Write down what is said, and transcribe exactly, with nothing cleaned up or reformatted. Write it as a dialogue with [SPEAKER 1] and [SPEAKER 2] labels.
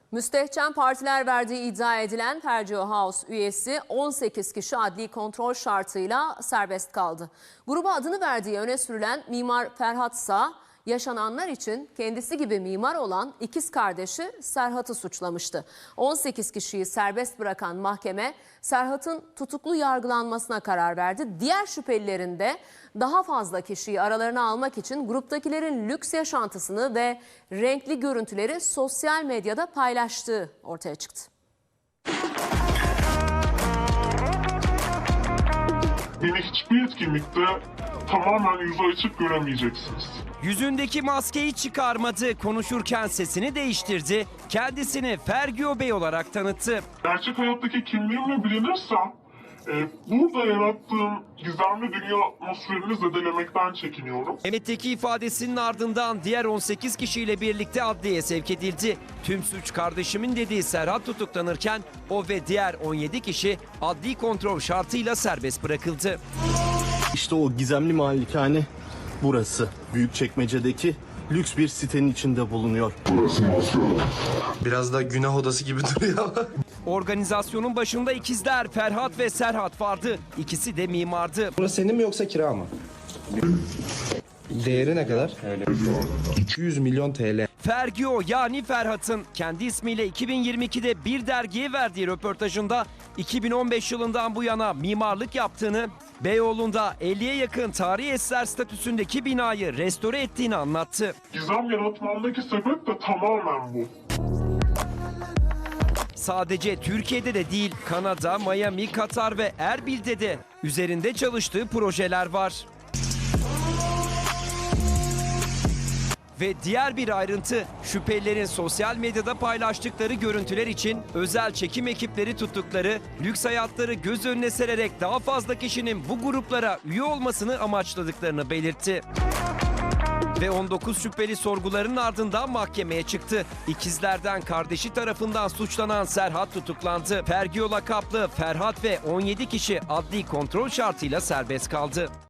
[SPEAKER 1] Müstehcen partiler verdiği iddia edilen Fergio House üyesi on sekiz kişi adli kontrol şartıyla serbest kaldı. Gruba adını verdiği öne sürülen mimar Ferhat Sağ, yaşananlar için kendisi gibi mimar olan ikiz kardeşi Serhat'ı suçlamıştı. on sekiz kişiyi serbest bırakan mahkeme Serhat'ın tutuklu yargılanmasına karar verdi. Diğer şüphelilerin de daha fazla kişiyi aralarına almak için gruptakilerin lüks yaşantısını ve renkli görüntüleri sosyal medyada paylaştığı ortaya çıktı.
[SPEAKER 2] Beni hiçbir etkinlikte tamamen yüzü açık göremeyeceksiniz.
[SPEAKER 3] Yüzündeki maskeyi çıkarmadı, konuşurken sesini değiştirdi, kendisini Fergio Bey olarak tanıttı.
[SPEAKER 2] Gerçek hayattaki kimliğimle bilinirsem, e, burada yarattığım gizemli dünya atmosferini zedelemekten çekiniyorum.
[SPEAKER 3] Mehmet'teki ifadesinin ardından diğer on sekiz kişiyle birlikte adliyeye sevk edildi. Tüm suç kardeşimin dediği Serhat tutuklanırken o ve diğer on yedi kişi adli kontrol şartıyla serbest bırakıldı.
[SPEAKER 4] İşte o gizemli malikane burası. Büyükçekmece'deki lüks bir sitenin içinde bulunuyor.
[SPEAKER 5] Biraz da günah odası gibi duruyor.
[SPEAKER 3] Organizasyonun başında ikizler Ferhat ve Serhat vardı. İkisi de mimardı.
[SPEAKER 5] Burası senin mi yoksa kira mı? Değeri ne kadar? iki yüz milyon T L.
[SPEAKER 3] Fergio yani Ferhat'ın kendi ismiyle iki bin yirmi ikide bir dergiye verdiği röportajında iki bin on beş yılından bu yana mimarlık yaptığını, Beyoğlu'nda elliye yakın tarihi eser statüsündeki binayı restore ettiğini anlattı.
[SPEAKER 2] Gizem yaratmamdaki sebep de tamamen bu.
[SPEAKER 3] Sadece Türkiye'de de değil, Kanada, Miami, Katar ve Erbil'de de üzerinde çalıştığı projeler var. Ve diğer bir ayrıntı, şüphelilerin sosyal medyada paylaştıkları görüntüler için özel çekim ekipleri tuttukları, lüks hayatları göz önüne sererek daha fazla kişinin bu gruplara üye olmasını amaçladıklarını belirtti. Ve on dokuz şüpheli sorguların ardından mahkemeye çıktı. İkizlerden kardeşi tarafından suçlanan Serhat tutuklandı. Fergio lakaplı Ferhat ve on yedi kişi adli kontrol şartıyla serbest kaldı.